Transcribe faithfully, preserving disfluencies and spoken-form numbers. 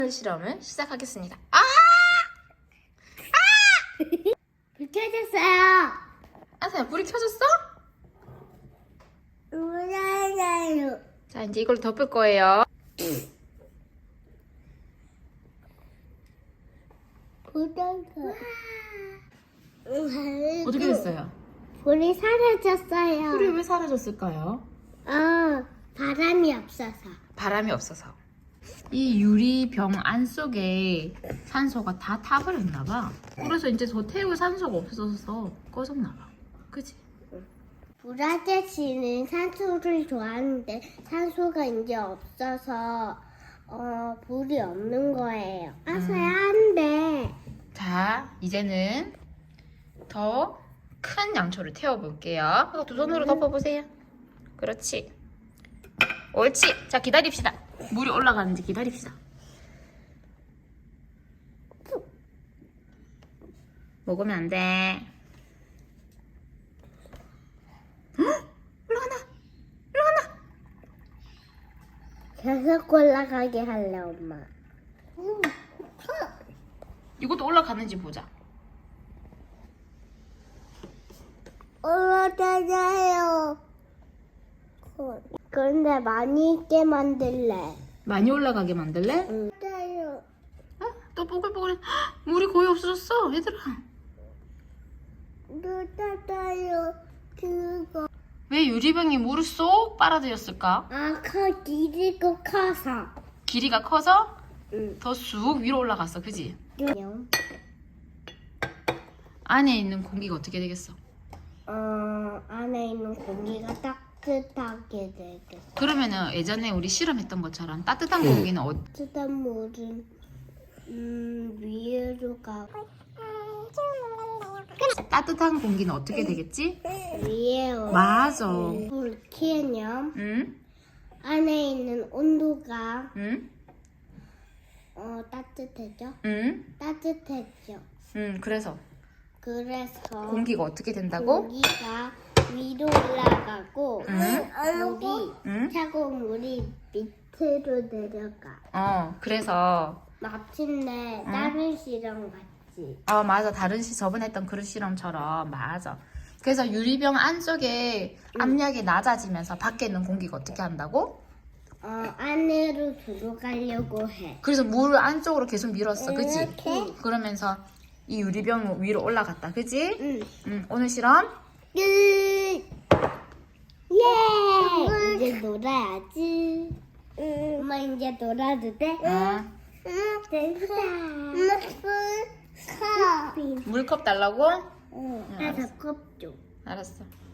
실험을 시작하겠습니다. 아! 아! 불 켜졌어요. 아사야, 불이 켜졌어? 울어요. 자, 이제 이걸 덮을 거예요. 불덩크. 어떻게 됐어요? 불이 사라졌어요. 불이 왜 사라졌을까요? 어, 바람이 없어서. 바람이 없어서. 이 유리병 안 속에 산소가 다 타버렸나 봐. 그래서 이제 더 태울 산소가 없어서 꺼졌나 봐. 그치? 불 아저씨는 산소를 좋아하는데 산소가 이제 없어서 어, 불이 없는 거예요. 아서야 안 돼. 자, 이제는 더 큰 양초를 태워볼게요. 두 손으로 덮어보세요. 그렇지. 옳지. 자, 기다립시다. 물이 올라가는지 기다립시다. 먹으면 안 돼. 헉! 올라간다. 올라간다. 계속 올라가게 할래, 엄마. 이것도 올라가는지 보자. 올라가요. 그런데 많이 있게 만들래. 많이 올라가게 만들래? 응. 따요. 어? 또 뽀글뽀글해. 헉! 물이 거의 없어졌어, 얘들아. 따요. 그거. 왜 유리병이 물을 쏙 빨아들였을까? 아, 커 길이고 커서. 길이가 커서 응. 더 쑥 위로 올라갔어, 그지? 응. 안에 있는 공기가 어떻게 되겠어? 어, 안에 있는 공기가 따뜻하게 되겠어. 그러면은 예전에 우리 실험했던 것처럼 따뜻한 공기는 어, 따뜻한 물은 음, 위로 가고 따뜻한 공기는 어떻게 되겠지? 위에 맞아. 불 켜면 응? 안에 있는 온도가 응? 어, 따뜻해져? 응? 따뜻해져. 응, 그래서 그래서 공기가 어떻게 된다고? 공기가 위로 올라가고 응? 물이 응? 차가운 물이 밑으로 내려가. 어, 그래서 마침내 응? 다른 실험 같지. 어, 맞아. 다른 시 저번에 했던 그릇 실험처럼 맞아. 그래서 유리병 안쪽에 압력이 낮아지면서 밖에 있는 공기가 어떻게 한다고? 어, 안으로 들어가려고 해. 그래서 물 안쪽으로 계속 밀었어, 그치? 이렇게? 그러면서 이 유리병 위로 올라갔다, 그치? 응. 응, 오늘 실험 끝! 예! 이제 놀아야지. 응. 엄마 이제 놀아도 돼? 어, 응. 됐다. 엄마 컵. 물컵 달라고? 응. 알았어. 나도 컵 줘. 알았어.